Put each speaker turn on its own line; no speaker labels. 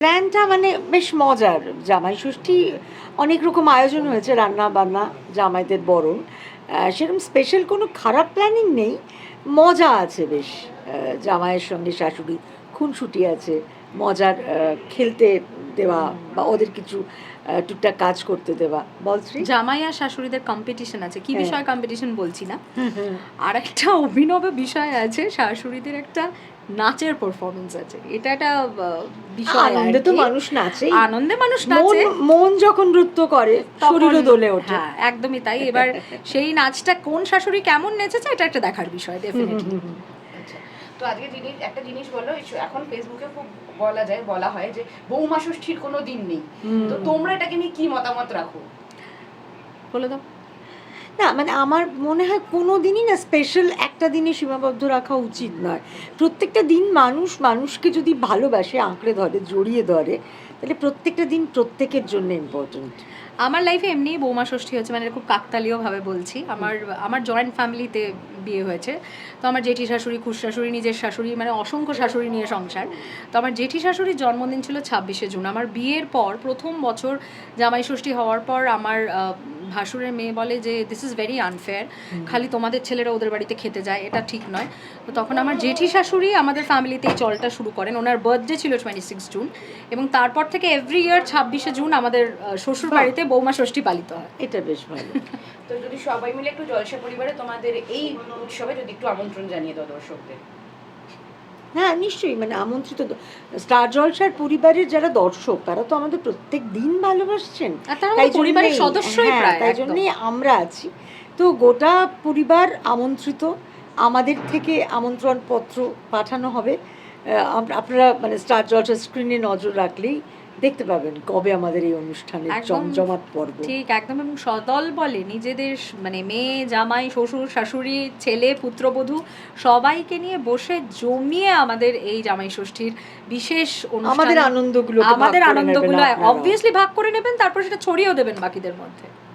প্ল্যানটা মানে বেশ মজার। জামাই ষষ্ঠী অনেক রকম আয়োজন হয়েছে, রান্না বান্না, জামাইদের বরণ। সেরকম স্পেশাল কোনো খারাপ প্ল্যানিং নেই। মজা আছে বেশ। জামাইয়ের সঙ্গে শাশুড়ি খুনসুটি আছে। মজার খেলতে দেওয়া বা ওদের কিছু টুকটাক কাজ করতে দেওয়া। বল শ্রী?
জামাই আর শাশুড়িদের কম্পিটিশন আছে, কি
হ্যাঁ।
বিষয় কম্পিটিশন বলছি না, আর একটা অভিনব বিষয় আছে, শাশুড়িদের একটা নাচের পারফরমেন্স আছে। এটা একটা বিষয়,
আনন্দে তো মানুষ নাচে,
আনন্দে মানুষ নাচে,
মন যখন নৃত্য করে শরীরও দোলে ওঠে।
হ্যাঁ একদমই তাই। এবার সেই নাচটা কোন শাশুড়ি কেমন নেচেছে এটা একটা দেখার বিষয় ডেফিনেটলি।
আচ্ছা, তো আজকে একটা জিনিস বলো, এখন ফেসবুকে খুব বলা হয় যে বৌমা ষষ্ঠীর কোনো দিন নেই, তো তোমরা এটাকে নিয়ে কি মতামত রাখো?
বলে দাও।
না মানে আমার মনে হয় কোনো দিনই না স্পেশাল একটা দিনে সীমাবদ্ধ রাখা উচিত নয়। প্রত্যেকটা দিন মানুষকে যদি ভালোবাসে, আঁকড়ে ধরে, জড়িয়ে ধরে, তাহলে প্রত্যেকটা দিন প্রত্যেকের জন্য ইম্পর্টেন্ট।
আমার লাইফে এমনিই বৌমা ষষ্ঠী হচ্ছে, মানে খুব কাকতালীয়ভাবে বলছি। আমার জয়েন্ট ফ্যামিলিতে বিয়ে হয়েছে। তো আমার জেঠি শাশুড়ি, খুশ শাশুড়ি, নিজের শাশুড়ি, মানে অসংখ্য শাশুড়ি নিয়ে সংসার। তো আমার জেঠি শাশুড়ির জন্মদিন ছিল 26শে জুন। আমার বিয়ের পর প্রথম বছর জামাই ষষ্ঠী হওয়ার পর আমার ভাসুরের মেয়ে বলে যে দিস ইজ ভেরি আনফেয়ার, খালি তোমাদের ছেলেরা ওদের বাড়িতে খেতে যায়, এটা ঠিক নয়। তো তখন আমার জেঠি শাশুড়ি আমাদের ফ্যামিলিতে এই চলটা শুরু করেন। ওনার বার্থডে ছিল 26 জুন, এবং তারপর থেকে এভরি ইয়ার 26শে জুন আমাদের শ্বশুর বাড়িতে বৌমা ষষ্ঠী পালিত হয়।
এটা বেশ ভালো।
তো যদি সবাই মিলে একটু জলসা পরিবারে তোমাদের এই উৎসবে যদি একটু আমন্ত্রণ জানিয়ে দাও দর্শকদের।
হ্যাঁ নিশ্চয়ই, মানে আমন্ত্রিত স্টার জলসার পরিবারের যারা দর্শক, তারা তো আমাদের প্রত্যেক দিন ভালোবাসছেন,
তাই পরিবারের সদস্যই প্রায়,
তাই জন্যই আমরা আছি। তো গোটা পরিবার আমন্ত্রিত। আমাদের থেকে আমন্ত্রণ পত্র পাঠানো হবে। আপনারা মানে স্টার জলসার স্ক্রিনে নজর রাখলেই দেখতে পাবেন কবে আমাদের এই অনুষ্ঠানের জমজমাট পর্ব।
ঠিক একদম, এবং সদল বলে নিজেদের মানে মেয়ে, জামাই, শ্বশুর, শাশুড়ি, ছেলে, পুত্রবধূ সবাইকে নিয়ে বসে জমিয়ে আমাদের এই জামাই ষষ্ঠীর বিশেষ অনুষ্ঠান,
আমাদের আনন্দগুলো
অবভিয়াসলি ভাগ করে নেবেন, তারপর সেটা ছড়িয়েও দেবেন বাকিদের মধ্যে।